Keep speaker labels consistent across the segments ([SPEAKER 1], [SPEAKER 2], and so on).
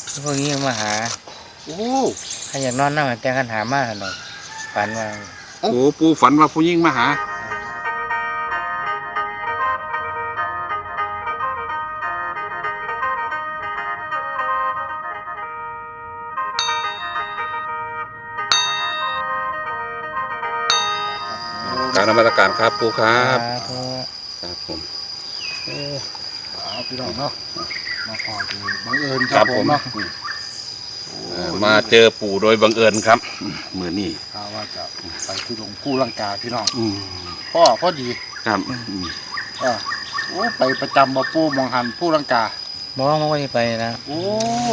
[SPEAKER 1] พวกนี้มาหา
[SPEAKER 2] โอ้
[SPEAKER 1] ใครอยากนอนนั่งแต่กันหามากหน่อยฝันว่า
[SPEAKER 3] โอ้ปูฝันว่าผู้หญิงมาหาการนมัสการครับปูครับครับผม
[SPEAKER 2] พี่น้องเนาะมาพอดีบังเอิญครับผมเนาะ
[SPEAKER 3] มาเจอปู่โดยบังเอิญครับมือนี่
[SPEAKER 2] ว่าจะไปที่หลวงปู่ลังกาพี่น้องพอดี
[SPEAKER 3] ครับ
[SPEAKER 2] โอ้ไปประจำบ่ปู่มองหันปู่ลังกา
[SPEAKER 1] บอกว่าไม่ได้ไปนะ
[SPEAKER 2] โอ้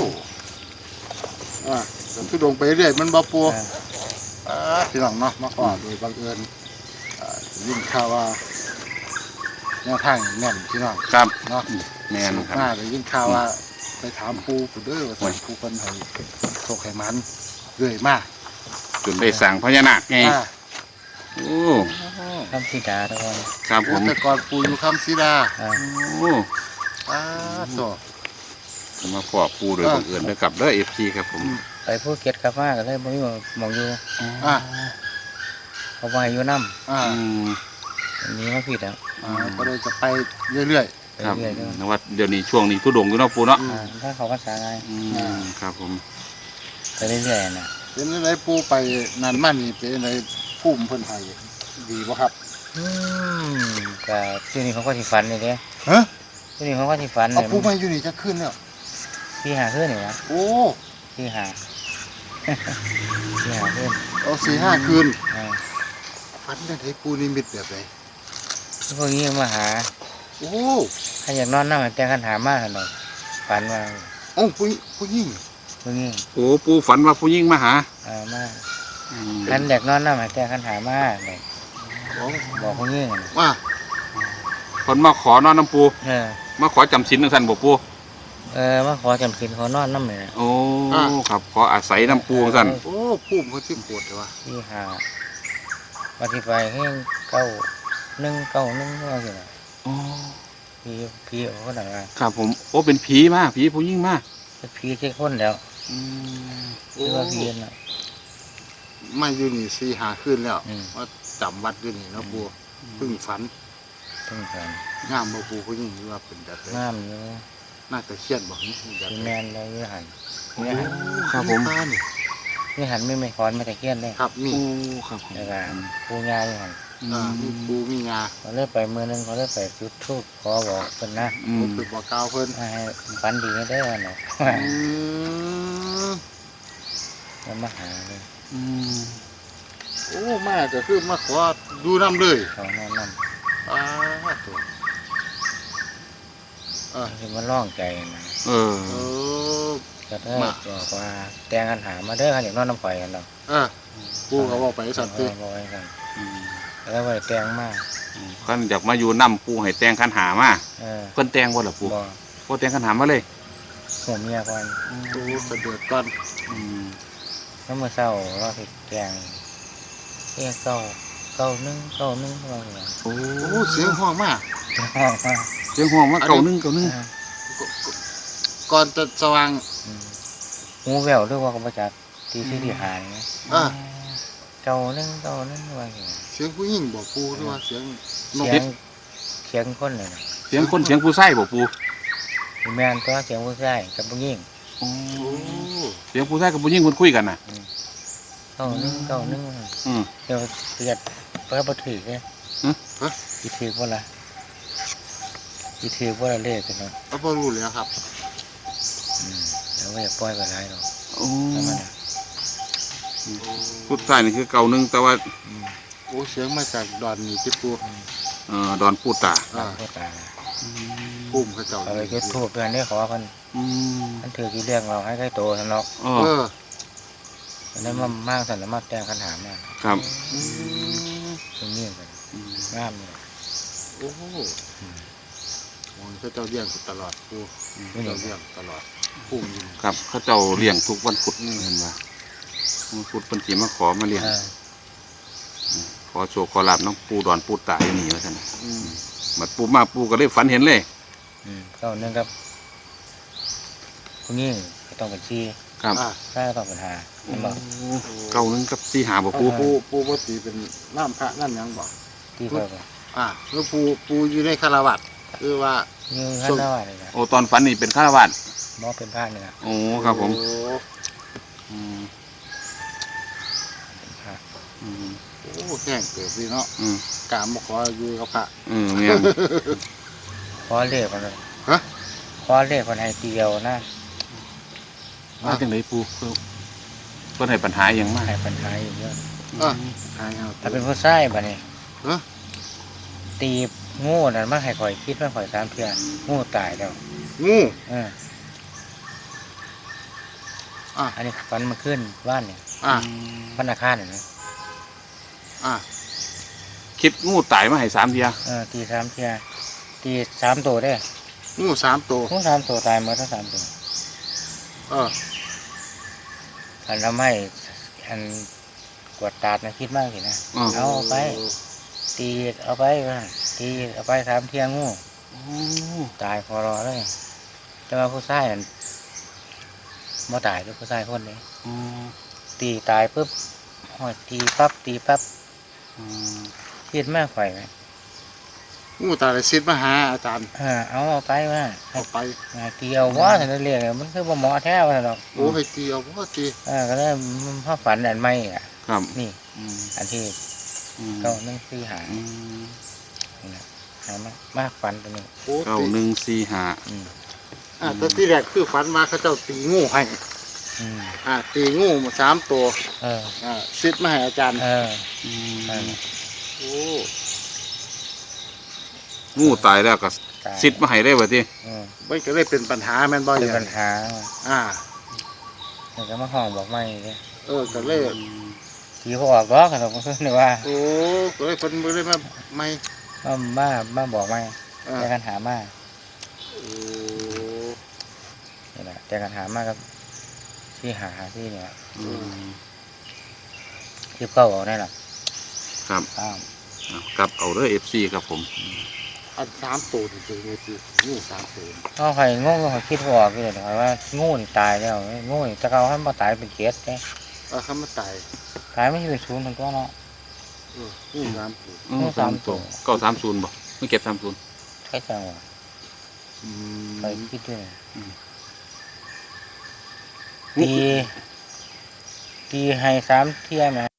[SPEAKER 2] ที่ลงไปเรื่อยมันบ่ปู่พี่น้องเนาะมาพอโดยบังเอิญยิ่งข่าวว่าแนวทางแน่นพี่น้อง
[SPEAKER 3] ครับ
[SPEAKER 2] เนาะ
[SPEAKER 3] แน่นครับ
[SPEAKER 2] น่าเลยยิ่งข่าวว่าไปถามปู่ผู้เด้อว่าสั่งปู่คนให้โชคให้มันเรื่อยมาก
[SPEAKER 3] จนได้สั่งพญานาคไงโอ้
[SPEAKER 1] คำสีดาทุกคน
[SPEAKER 3] ครับผม
[SPEAKER 2] แต่ก่อนปู่อยู่คำสีดา
[SPEAKER 3] โอ้
[SPEAKER 2] ต่อ
[SPEAKER 3] จะมาขอปู่โดยบังเอิญด้วยกับเด้อFCครับผม
[SPEAKER 1] ไปภูเก็ตกลับมาก็เลยบ่มีมองอยู่เขาไปอยู่น้ำอันนี้มาผิดแล้ว
[SPEAKER 2] ก็เลยจะไปเรื่อย
[SPEAKER 3] ๆครับนว่าเดี๋ยวนี้ช่วงนี้ทุดงอยู่เนาะปู่เนาะ
[SPEAKER 1] ถ้าเขาภาษาไง
[SPEAKER 3] ครับผม
[SPEAKER 1] ไปเรื่อยๆนะ
[SPEAKER 2] เป็นอะไรปู่ไปนานมากนี่เป็นอะไรพุ่มเพิ่นให้ดีบ่ครับ
[SPEAKER 1] ก็ที่นี่เขาก็ที่ฝันเลยเด้ที่นี่เขาก็ที่ฝัน
[SPEAKER 2] เลยปู่มาอยู่นี่จะขึ้นแล้ว
[SPEAKER 1] ที่หาขึ้นนี่วะ
[SPEAKER 2] โอ้
[SPEAKER 1] ที่หาขึ้น
[SPEAKER 2] 4-5 คืนฝันได้ปู่นิมิตแบบไหน
[SPEAKER 1] พวกนี้มาหา
[SPEAKER 2] โอ้
[SPEAKER 1] ใครอยากนอนนั่งแต่กันหามากหน่อยฝันว่า
[SPEAKER 2] ผู้หญิง
[SPEAKER 3] โอ้ปู่ฝันว่าผู้หญิงมาหา
[SPEAKER 1] มาคันอยากนอนนั่งแต่กันหามากเลยบอกผู้หญิง
[SPEAKER 2] ว่า
[SPEAKER 3] คนมาขอนอนน้ำปูมาขอจำศีลนั่งสันบอกปู
[SPEAKER 1] มาขอจำศีลขอนอนน้ำเลย
[SPEAKER 3] โอ้ครับขออาศัยน้ำปูสัน
[SPEAKER 2] โอ้พุ่มเขาชื่อปวดเลยวะ
[SPEAKER 1] ที่หาวันที่ไปให้91ว่าสินะผีเขาหนังอ่ะ
[SPEAKER 3] ครับผมโอ้เป็นผีมากผีผู้ยิ่งมาก
[SPEAKER 1] เป็นผีเช็คคนแล้วคือว่าผีน่ะ
[SPEAKER 2] มาอยู่นี่4-5 คืนแล้วว่าจำวัดอยู่นี่นะปูเพิ่งฝันงามบ่ปูผู้ยิ่งว่าเป็นแบบ
[SPEAKER 1] งามอยู่
[SPEAKER 2] น่าจะเครียดบอกนี่
[SPEAKER 1] แบบแมนเลยนี่หัน
[SPEAKER 3] ครับผม
[SPEAKER 1] นี่หันไม่คอนไม่แต่เครียดเลย
[SPEAKER 2] ครับนี่
[SPEAKER 3] ครับ
[SPEAKER 1] แล้วก็ปูงาอยู่หัน
[SPEAKER 2] มีปูมีงา
[SPEAKER 1] เขาเลิกไปมือนึงเขาเลิกไปจุดทูบขอบอกเพิ่นนะ
[SPEAKER 2] ตึกบอกกาวเพิ่น
[SPEAKER 1] ให้ฝันดีให้ได้หน่อยแล้วมาหาเลย
[SPEAKER 2] โอ้มาก็คือมาขอดูน้ำเลย
[SPEAKER 1] เขานอนน้ำ
[SPEAKER 2] ตัว
[SPEAKER 1] คือมันร้องใจนะก็ได้บอกว่าแต่งกันหามาเด้ออย่างนอนน้ำไฟกันเรา
[SPEAKER 2] ปูเขาบอกไปสัตว์ตี
[SPEAKER 1] บอกไปกันแล้วไปแต่งมาก
[SPEAKER 3] ขันอยากมาอยู่น้ำปูให้แต่งขันหามาเพิ่นแต่งว่าหรอปูพอแต่งขันหามาเลย
[SPEAKER 1] หัวเมียก่อน
[SPEAKER 2] ปูเสด็จก่อน
[SPEAKER 1] แล้วเมื่อเช้าเราติดแต่งเ91ว่าไง
[SPEAKER 2] โอ้เสียงห้องมาก
[SPEAKER 3] เสียงห้องมา91
[SPEAKER 2] ก่อนจะสว่าง
[SPEAKER 1] หูแววหรือว่าก็มาจากที่หาย91ว่าไง
[SPEAKER 2] เสียงผู้หญิงบอกปูหรือว่าเสีย
[SPEAKER 1] งคนเลยนะ
[SPEAKER 3] เสียงคนเสียงผู้ชายบอกปู
[SPEAKER 1] แม่นตัวเสียงผู้ชายกับผู้หญิง
[SPEAKER 3] เสียงผู้ชายกับผู้หญิงคนคุยกันน่ะ
[SPEAKER 1] 91เดี๋ยวเกิดเปิดประตูเนี่ยอีถือว่าอะไรอีถือว่าอะไรเลขกันเนาะ
[SPEAKER 2] พอรู้แล้วครับ
[SPEAKER 1] แล้วว่าอย่าปล่อยไปไรหรอก
[SPEAKER 3] ผู้ชายนี่คือ91แต่ว่า
[SPEAKER 2] โอ้เสียงมาจากดอนนี่ที่ปู
[SPEAKER 3] ดอนปูตา
[SPEAKER 2] พุ่มเขาเจ้า
[SPEAKER 1] อะไรก็ทูบเพื่อนได้ขอกันมันถือกี่เรื่องเราให้ใกล้โตทันล็อกแล้วมากสันมากแต่งคันหามาก
[SPEAKER 3] ครับ
[SPEAKER 1] ตรงนี้กันงามเลย
[SPEAKER 2] โอ้มเขาเจ้าเลี้ยงตลอดปูเขาเจ้าเลี้ยงตลอดพุ่ม
[SPEAKER 3] ครับเขาเจ้าเลี้ยงทุกวันพุธเห็นไหมวันพุธเป็นสีมาขอมาเลี้ยงขอโชว์ขอลาบน้องปูดอนปูตาอย่างนี้แล้วกันมาปูมาปูก็เลยฝันเห็นเลย
[SPEAKER 1] 91ครับพวกนี้ต้องเป็นสี่
[SPEAKER 3] ครับ
[SPEAKER 1] ถ้าก็ต้องเป็นห้ามันบอก
[SPEAKER 3] เก้าหนึ่งกับสี่หาบ่ปู
[SPEAKER 2] ปูบ่ตีเป็นน้ำพระนั่นหยังบ่
[SPEAKER 1] ที่เขาบอก
[SPEAKER 2] คือปูอยู่ในคารวะคือว่า
[SPEAKER 1] ยืนข้างหน้าเลยนะ
[SPEAKER 3] โอ้ตอนฝันนี่เป็นฆราวาส
[SPEAKER 1] มอเป็นพระนี่นะ
[SPEAKER 3] โอ้ครับผม
[SPEAKER 2] โอ้
[SPEAKER 3] อืม
[SPEAKER 1] เป็นพระ
[SPEAKER 3] อืม
[SPEAKER 2] แห้งเกิดพี่เนาะ
[SPEAKER 3] อืม
[SPEAKER 2] กามมาขออยู่กับพระ
[SPEAKER 3] แม่น
[SPEAKER 1] ขอเลขคนเลย
[SPEAKER 2] ฮะ
[SPEAKER 1] ขอเลขคนให้เดียวนะ
[SPEAKER 3] มาจังไดปูคือเพิ่นให้ปัญหาหยังมา
[SPEAKER 1] ให้ปัญหาอยู่เยอะ
[SPEAKER 2] หายเอา
[SPEAKER 1] ถ้าเป็นผู้ชายบ่เนี่ย
[SPEAKER 2] ฮะ
[SPEAKER 1] ตีงูนั่นมาให้ข่อยคิดว่าข่อย3เทื่องูตายแล้ว
[SPEAKER 2] งู
[SPEAKER 1] อันนี้ฟันมาขึ้นบ้านเนี่ย บ้านอาคารเนี่ยนะ
[SPEAKER 3] คิดงูตายมาให้3เที่ย
[SPEAKER 1] ตี3เทื่อตี3ตัวได้
[SPEAKER 2] งู3 ตัว
[SPEAKER 1] งู3ตัวตายหมดทั้ง3ตัว อันทำให้อันกวดตาดนะคิดมากสินะ เอาไป ตีเอาไปว่าตีเอาไป3เที่ยงูตายพอรอเลยจะมาผู้ชายนั่นบ่ตายด้วยผู้ชายคนนี้ตีตายปุ๊บหอยตีปั๊บคิดมากไฟไหม
[SPEAKER 2] งูตาเลยซิดมาหาอาจารย์
[SPEAKER 1] เอาไปว่า
[SPEAKER 2] เอาไป
[SPEAKER 1] ตีเอาว่าฉันเรียกมันคือบ่หมอแท้ว่าหรอก
[SPEAKER 2] โอ้ให้ตีเอาบ่ตี
[SPEAKER 1] ก็เลยพ่อฝันอันไม่อ่ะ
[SPEAKER 3] ครับ
[SPEAKER 1] นี่ อันที่ก็นึ่งซื้อหาหามากฝันตัวนี้
[SPEAKER 2] โอ้
[SPEAKER 3] เก้า
[SPEAKER 2] ตี
[SPEAKER 3] หนึ่งสี่หา
[SPEAKER 2] แต่ที่แรกคือฝันมาเขาเจ้าตีงูให้ตีงูมา3 ตัวซิดมาให้อาจารย์ โอ้
[SPEAKER 3] งูตายแล้วก็ซิดมาให้ได้บ่ติ
[SPEAKER 2] มันก็เลยเป็นปัญหาแม่นบ่
[SPEAKER 1] เป็น
[SPEAKER 2] เนี่ย
[SPEAKER 1] ปัญหา มันก็มาห้องบอกไม่เลย
[SPEAKER 2] ก็เลย
[SPEAKER 1] ทีเขาออกก็ขนมเพื่อนว่า
[SPEAKER 2] โอ้ก็เลยคนบ่ได้มาไม่
[SPEAKER 1] มาบอกไม่แต่กันหามานี่แหละแต่กันหามากับที่หาที่เนี่ยที่เก้าออกได้หรอ
[SPEAKER 3] ครับกับเอาเด้อ FC ครับผม
[SPEAKER 2] อัน3 ตัวที่ตัวนี้คืองู3 ตัว
[SPEAKER 1] เขาใครงูเขาคิดว่าออกเลยว่างูนี่ตายแล้วงูนี่จะเอาให้มาตายเป็นเจ็ดเนี่ย
[SPEAKER 2] เขามาตาย
[SPEAKER 1] ตายไม่ใช่เป็นศูนย์ถึงตัวเนาะ
[SPEAKER 2] งู3 ตัว
[SPEAKER 1] งูสามตัว
[SPEAKER 3] 930บ่ไม่เก็บ30
[SPEAKER 1] ใช่จังหวะใครคิดด้วยตีให้3 เที่ยไหม